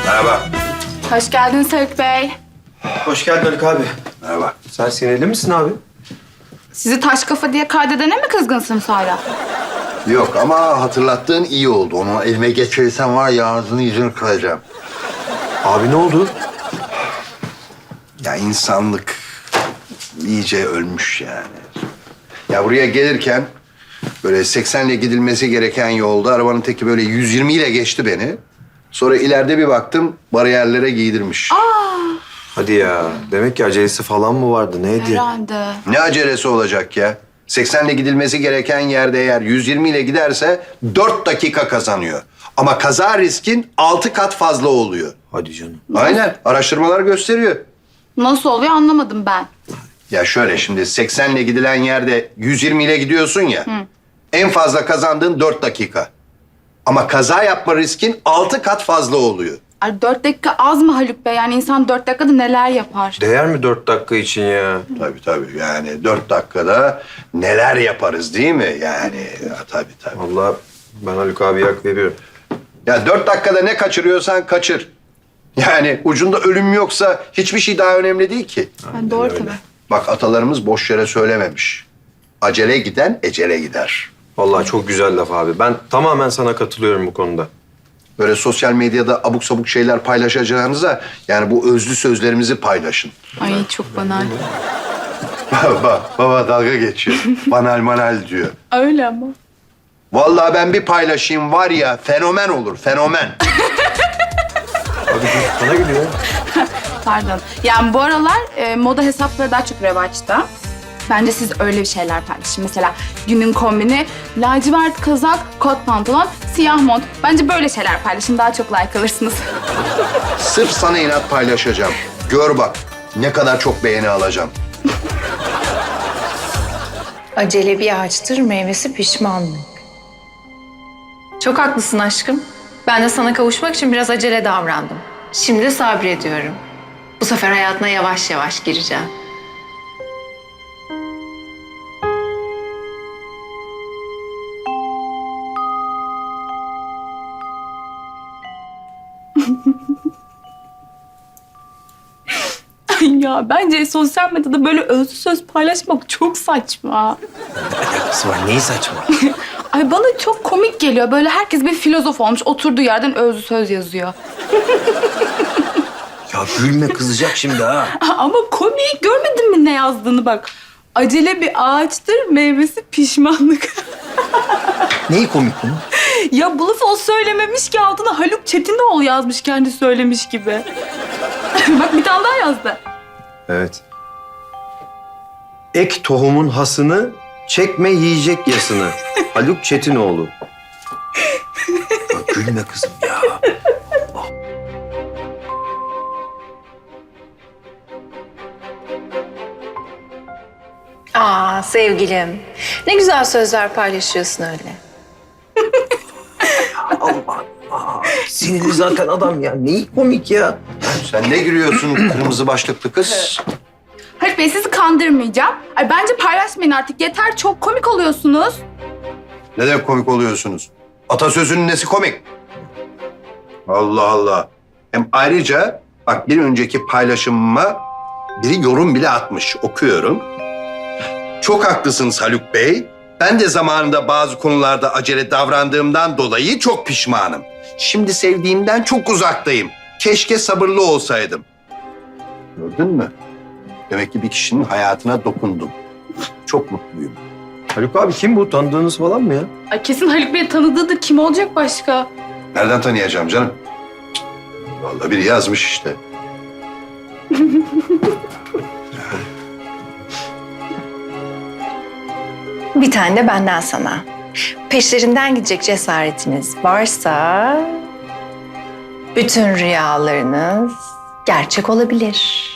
Merhaba. Hoş geldiniz Haluk Bey. Hoş geldin Haluk abi. Merhaba. Sen sinirli misin abi? Sizi taş kafa diye kaydedene mi kızgınsınız hala? Yok ama hatırlattığın iyi oldu. Onu elime geçirirsen var ya ağzını yüzünü kıracağım. Abi ne oldu? Ya insanlık iyice ölmüş yani. Ya buraya gelirken böyle 80'le gidilmesi gereken yolda arabanın teki böyle 120 ile geçti beni. Sonra ileride bir baktım bariyerlere giydirmiş. Hadi ya. Demek ki acelesi falan mı vardı? Neydi? Herhalde. Ne acelesi olacak ya? 80'le gidilmesi gereken yerde eğer 120 ile giderse 4 dakika kazanıyor. Ama kaza riskin 6 kat fazla oluyor. Hadi canım. Aynen. Araştırmalar gösteriyor. Nasıl oluyor anlamadım ben. Ya şöyle şimdi 80'le gidilen yerde 120 ile gidiyorsun ya. En fazla kazandığın 4 dakika. Ama kaza yapma riskin 6 kat fazla oluyor. Ay 4 dakika az mı Haluk Bey? Yani insan 4 dakikada neler yapar? Değer mi 4 dakika için ya? Tabii. Yani 4 dakikada neler yaparız değil mi? Yani ya, tabii. Vallahi ben Haluk abiye hak veriyorum. Ya 4 dakikada ne kaçırıyorsan kaçır. Yani ucunda ölüm yoksa hiçbir şey daha önemli değil ki. Yani doğru tabii. Bak atalarımız boş yere söylememiş. Acele giden ecele gider. Vallahi çok güzel laf abi. Ben tamamen sana katılıyorum bu konuda. Böyle sosyal medyada abuk sabuk şeyler paylaşacağınıza yani bu özlü sözlerimizi paylaşın. Ay çok banal. Baba dalga geçiyor. Banal manal diyor. Öyle ama. Vallahi ben bir paylaşayım var ya fenomen olur fenomen. Abi dur, bana gülüyor. Pardon. Yani bu aralar moda hesapları daha çok revaçta. Bence siz öyle bir şeyler paylaşın. Mesela günün kombini lacivert kazak, kot pantolon, siyah mont. Bence böyle şeyler paylaşın. Daha çok like alırsınız. Sırf sana inat paylaşacağım. Gör bak ne kadar çok beğeni alacağım. Acele bir ağaçtır, meyvesi pişmanlık. Çok haklısın aşkım. Ben de sana kavuşmak için biraz acele davrandım. Şimdi sabrediyorum. Bu sefer hayatına yavaş yavaş gireceğim. Ay ya bence sosyal medyada böyle özlü söz paylaşmak çok saçma. Alakası var. Neyi saçma? Ay bana çok komik geliyor. Böyle herkes bir filozof olmuş. Oturduğu yerden özlü söz yazıyor. Ya gülme kızacak şimdi ha. Ama komik. Görmedin mi ne yazdığını bak. Acele bir ağaçtır, meyvesi pişmanlık. Neyi komik bunun? Ya bu lafı o söylememiş ki altına Haluk Çetinoğlu yazmış kendi söylemiş gibi. Bak bir tane daha yazdı. Evet. Ek tohumun hasını, çekme yiyecek yasını. Haluk Çetinoğlu. Ya gülme kızım ya. Aa sevgilim. Ne güzel sözler paylaşıyorsun öyle. Allah Allah. Sinirli zaten adam ya. Neyi komik ya? Sen ne gülüyorsun kırmızı başlıklı kız? Haluk Bey sizi kandırmayacağım. Ay bence paylaşmayın artık. Yeter çok komik oluyorsunuz. Ne demek komik oluyorsunuz? Atasözünün nesi komik? Allah Allah. Hem ayrıca bak bir önceki paylaşımıma biri yorum bile atmış. Okuyorum. Çok haklısınız Haluk Bey. Ben de zamanında bazı konularda acele davrandığımdan dolayı çok pişmanım. Şimdi sevdiğimden çok uzaktayım. Keşke sabırlı olsaydım. Gördün mü? Demek ki bir kişinin hayatına dokundum. Çok mutluyum. Haluk abi kim bu? Tanıdığınız falan mı ya? Ay kesin Haluk Bey'i tanıdığıdır. Kim olacak başka? Nereden tanıyacağım canım? Cık, vallahi biri yazmış işte. Bir tane de benden sana. Peşlerinden gidecek cesaretiniz varsa... bütün rüyalarınız gerçek olabilir.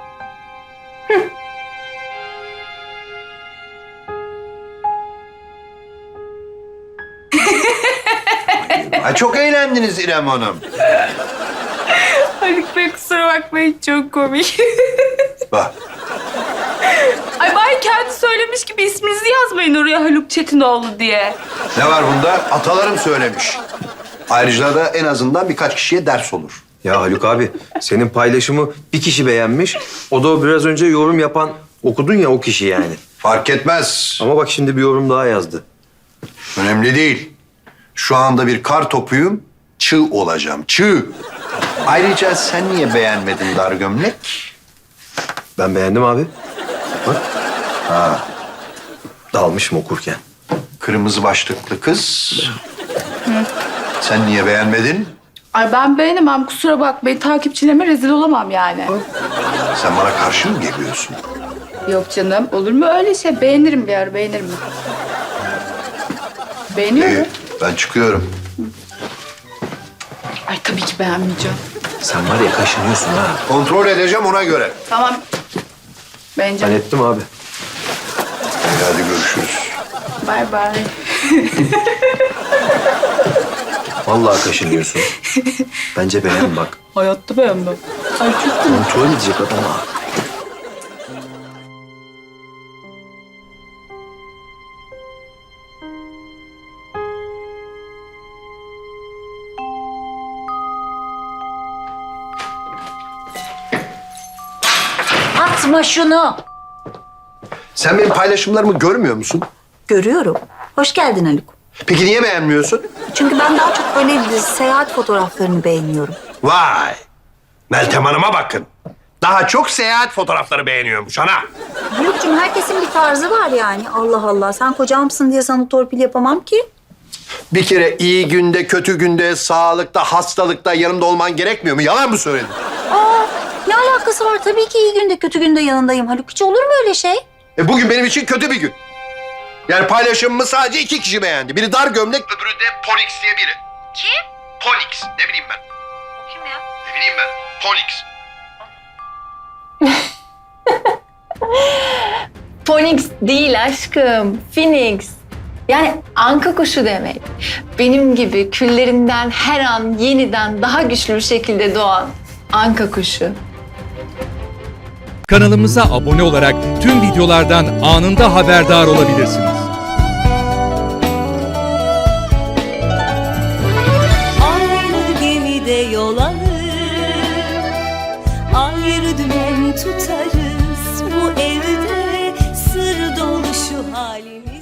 Ha, çok eğlendiniz İrem Hanım. Haluk Bey kusura bakmayın çok komik. Bak. Ay bari kendi söylemiş gibi isminizi yazmayın oraya Haluk Çetinoğlu diye. Ne var bunda? Atalarım söylemiş. Ayrıca da en azından birkaç kişiye ders olur. Ya Haluk abi, senin paylaşımı bir kişi beğenmiş. O da biraz önce yorum yapan, okudun ya o kişi yani. Fark etmez. Ama bak şimdi bir yorum daha yazdı. Önemli değil. Şu anda bir kar topuyum. Çığ olacağım. Çığ. Ayrıca sen niye beğenmedin dar gömlek? Ben beğendim abi. Bak. Ha. Dalmışım okurken. Kırmızı başlıklı kız. Sen niye beğenmedin? Ay ben beğenemem kusura bakmayın. Takipçilerime rezil olamam yani. Sen bana karşı mı geliyorsun? Yok canım olur mu öyle şey? Beğenirim bir ara beğenirim. Beğeniyor İyi, mu? ben çıkıyorum. Ay tabii ki beğenmeyeceğim. Sen var ya kaşınıyorsun ha. Kontrol edeceğim ona göre. Tamam. Ben Beğeneceğim. ettim abi. Hadi görüşürüz. Bay bay. Vallahi kaşınıyorsun. Bence beğen bak. Hayatta beğenmem. Ay çok Kontrol edecek adam ha. Atma şunu. Sen benim paylaşımlarımı görmüyor musun? Görüyorum. Hoş geldin Haluk. Peki niye beğenmiyorsun? Çünkü ben daha çok böyle seyahat fotoğraflarını beğeniyorum. Vay! Meltem Hanım'a bakın. Daha çok seyahat fotoğrafları beğeniyormuş ana. Haluk'cum herkesin bir tarzı var yani. Allah Allah. Sen kocamsın diye sana torpil yapamam ki. Bir kere iyi günde, kötü günde, sağlıkta, hastalıkta yanımda olman gerekmiyor mu? Yalan mı söyledin? Aa, ne alakası var? Tabii ki iyi günde kötü günde yanındayım Haluk. Hiç olur mu öyle şey? Bugün benim için kötü bir gün. Yani paylaşımımı sadece 2 kişi beğendi. Biri dar gömlek, öbürü de Ponix diye biri. Kim? Ponix, ne bileyim ben. O kim ya? Ne bileyim ben. Ponix. Phoenix değil aşkım. Phoenix. Yani anka kuşu demek. Benim gibi küllerinden her an yeniden daha güçlü bir şekilde doğan anka kuşu. Kanalımıza abone olarak tüm videolardan anında haberdar olabilirsiniz. Aynı gemide yol alır, ayrı dümen tutarız. Bu evde sır dolu şu halimiz.